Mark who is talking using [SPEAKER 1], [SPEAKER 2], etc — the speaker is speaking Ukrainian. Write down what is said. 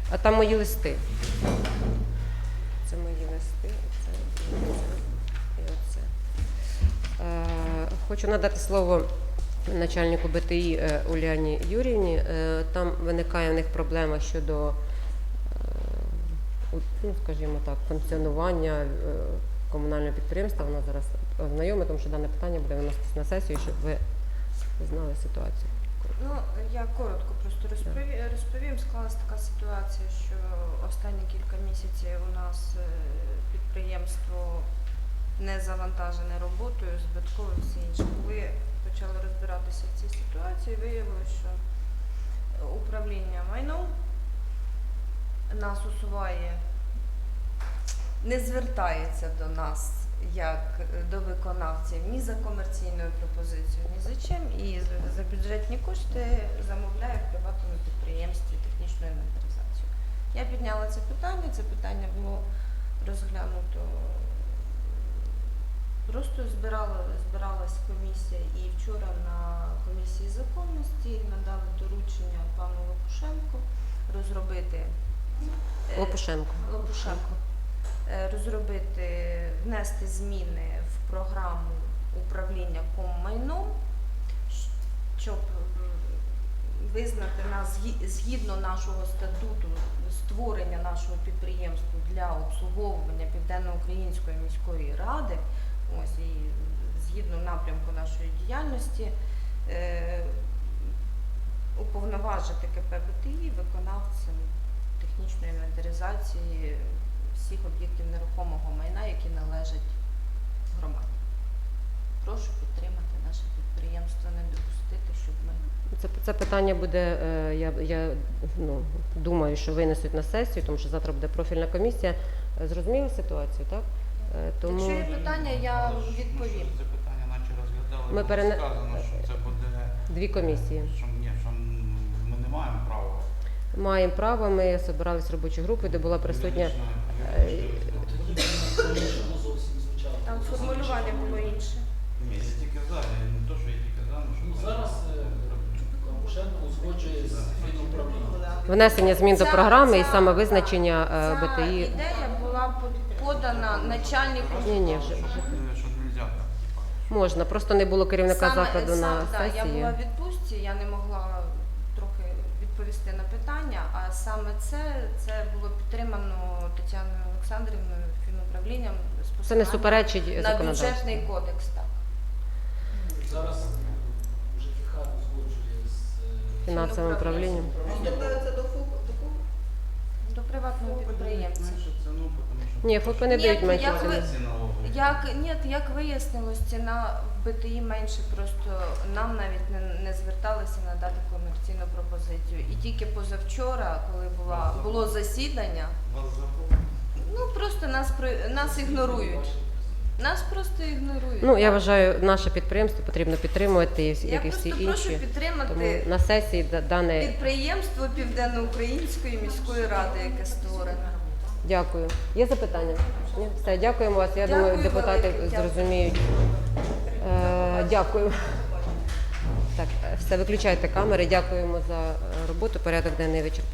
[SPEAKER 1] А там мої листи. Це мої листи, оце і оце. Хочу надати слово начальнику БТІ Уляні Юріївні. Там виникає в них проблема щодо, ну, скажімо так, функціонування комунального підприємства. Вона зараз ознайомить, тому що дане питання буде виноситись на сесію, щоб ви знали ситуацію.
[SPEAKER 2] Ну, я коротко просто розповім. Склалась така ситуація, що останні кілька місяців у нас підприємство не завантажене роботою, збиткове і все інше. Коли почали розбиратися в цій ситуації, виявилося, що управління майном нас усуває, не звертається до нас як до виконавців ні за комерційною пропозицією, ні за чим, і за бюджетні кошти замовляє в приватному підприємстві технічну інвентаризацію. Я підняла це питання було розглянуто, просто збиралась комісія, і вчора на комісії законності надали доручення пану Лопушенку розробити внести зміни в програму управління коммайном, щоб визнати нас згідно нашого статуту створення нашого підприємства для обслуговування Південно-Української міської ради, ось, і згідно напрямку нашої діяльності, уповноважити КП БТІ виконавцем технічної інвентаризації всіх об'єктів нерухомого майна, які належать громаді. Прошу підтримати наше підприємство, не допустити, щоб ми...
[SPEAKER 1] Це питання буде, я думаю, що винесуть на сесію, тому що завтра буде профільна комісія. Зрозуміли ситуацію, так?
[SPEAKER 2] Тому... Якщо є питання, я відповім.
[SPEAKER 3] Це питання наче розглядали,
[SPEAKER 1] ми
[SPEAKER 3] сказано, що це буде...
[SPEAKER 1] Дві комісії.
[SPEAKER 3] Що ми не маємо права.
[SPEAKER 1] Маємо право, ми збиралися робочою групою, де була присутня...
[SPEAKER 2] Там формулювання було інше.
[SPEAKER 3] Ні, я тільки за, не то, що я тільки за, але що...
[SPEAKER 4] Зараз Лопушенко узгоджує з фінуправлінням.
[SPEAKER 1] Внесення змін до програми і саме визначення БТІ.
[SPEAKER 2] Ця ідея була подана начальнику.
[SPEAKER 1] Ні, вже.
[SPEAKER 3] Що нельзя так.
[SPEAKER 1] Можна, просто не було керівника закладу на сесії.
[SPEAKER 2] Я була в відпустці, я не могла трохи відповісти на питання, а саме це було підтримано Тетяною Олександрівною фінуправлінням з
[SPEAKER 1] Це не
[SPEAKER 2] посиланням
[SPEAKER 1] суперечить
[SPEAKER 2] на
[SPEAKER 1] законодавству.
[SPEAKER 2] бюджетний кодекс. Так.
[SPEAKER 4] Зараз ЖКХ узгоджує з
[SPEAKER 1] Фінансовим управлінням.
[SPEAKER 2] До приватного підприємця.
[SPEAKER 1] Ні, ФОПи не дають менше ціни.
[SPEAKER 2] Як вияснилось, ціна в БТІ менше, просто нам навіть не зверталися надати комерційну пропозицію. І тільки позавчора, коли було засідання, просто нас ігнорують. Нас просто ігнорують.
[SPEAKER 1] Ну, я вважаю, наше підприємство потрібно підтримувати, як і всі
[SPEAKER 2] Я просто прошу
[SPEAKER 1] інші.
[SPEAKER 2] підтримати
[SPEAKER 1] Тому на сесії дане...
[SPEAKER 2] підприємство Південно-Української міської ради, яке створено.
[SPEAKER 1] Дякую. Є запитання? Ні? Все, дякуємо вас. Я думаю, депутати зрозуміють. Дякую. Так, все, виключайте камери. Дякуємо за роботу. Порядок денний вичерпаний.